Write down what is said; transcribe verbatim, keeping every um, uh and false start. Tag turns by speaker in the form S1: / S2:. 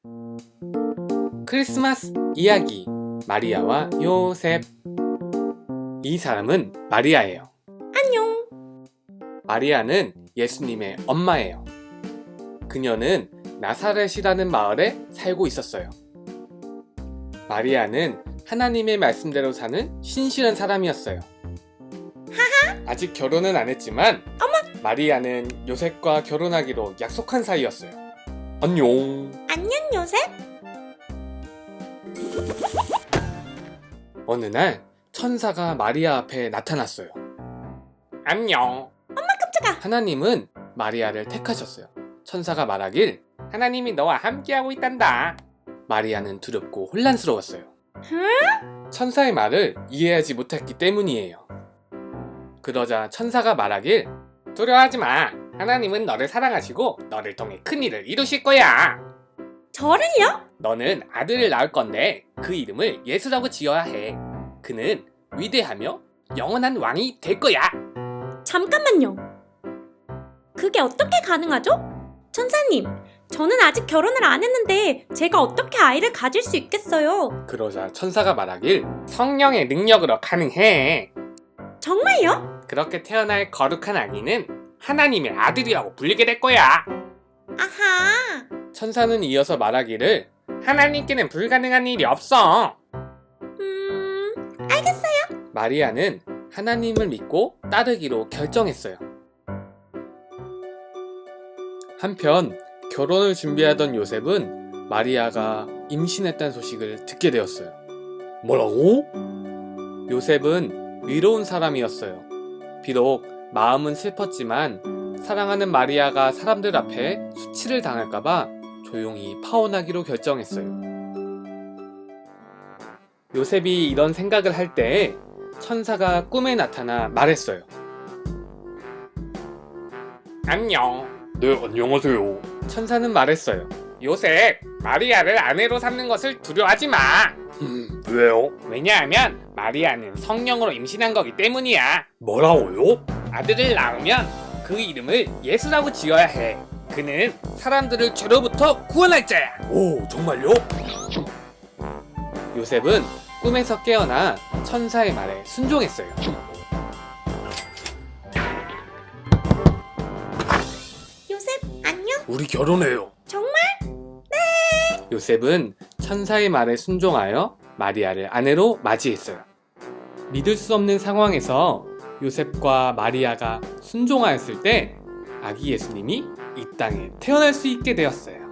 S1: 크리스마스 이야기 마리아와 요셉. 이 사람은 마리아예요.
S2: 안녕.
S1: 마리아는 예수님의 엄마예요. 그녀는 나사렛이라는 마을에 살고 있었어요. 마리아는 하나님의 말씀대로 사는 신실한 사람이었어요.
S2: 하하.
S1: 아직 결혼은 안 했지만
S2: 어머.
S1: 마리아는 요셉과 결혼하기로 약속한 사이였어요. 안녕.
S2: 안녕, 요셉.
S1: 어느 날 천사가 마리아 앞에 나타났어요. 안녕.
S2: 엄마 깜짝아.
S1: 하나님은 마리아를 택하셨어요. 천사가 말하길 하나님이 너와 함께하고 있단다. 마리아는 두렵고 혼란스러웠어요.
S2: 응?
S1: 천사의 말을 이해하지 못했기 때문이에요. 그러자 천사가 말하길 두려워하지 마. 하나님은 너를 사랑하시고 너를 통해 큰 일을 이루실 거야.
S2: 저를요?
S1: 너는 아들을 낳을 건데 그 이름을 예수라고 지어야 해. 그는 위대하며 영원한 왕이 될 거야.
S2: 잠깐만요. 그게 어떻게 가능하죠? 천사님, 저는 아직 결혼을 안 했는데 제가 어떻게 아이를 가질 수 있겠어요?
S1: 그러자 천사가 말하길 성령의 능력으로 가능해.
S2: 정말요?
S1: 그렇게 태어날 거룩한 아기는 하나님의 아들이라고 불리게 될 거야.
S2: 아하.
S1: 천사는 이어서 말하기를 하나님께는 불가능한 일이 없어.
S2: 음... 알겠어요.
S1: 마리아는 하나님을 믿고 따르기로 결정했어요. 한편 결혼을 준비하던 요셉은 마리아가 임신했다는 소식을 듣게 되었어요. 뭐라고? 요셉은 위로운 사람이었어요. 비록 마음은 슬펐지만 사랑하는 마리아가 사람들 앞에 수치를 당할까봐 조용히 파혼하기로 결정했어요. 요셉이 이런 생각을 할 때 천사가 꿈에 나타나 말했어요. 안녕. 네, 안녕하세요. 천사는 말했어요. 요셉, 마리아를 아내로 삼는 것을 두려워하지 마. 음, 왜요? 왜냐하면 마리아는 성령으로 임신한 거기 때문이야. 뭐라고요? 아들을 낳으면 그 이름을 예수라고 지어야 해. 그는 사람들을 죄로부터 구원할 자야. 오, 정말요? 요셉은 꿈에서 깨어나 천사의 말에 순종했어요.
S2: 요셉, 안녕?
S1: 우리 결혼해요.
S2: 정말?
S1: 요셉은 천사의 말에 순종하여 마리아를 아내로 맞이했어요. 믿을 수 없는 상황에서 요셉과 마리아가 순종하였을 때 아기 예수님이 이 땅에 태어날 수 있게 되었어요.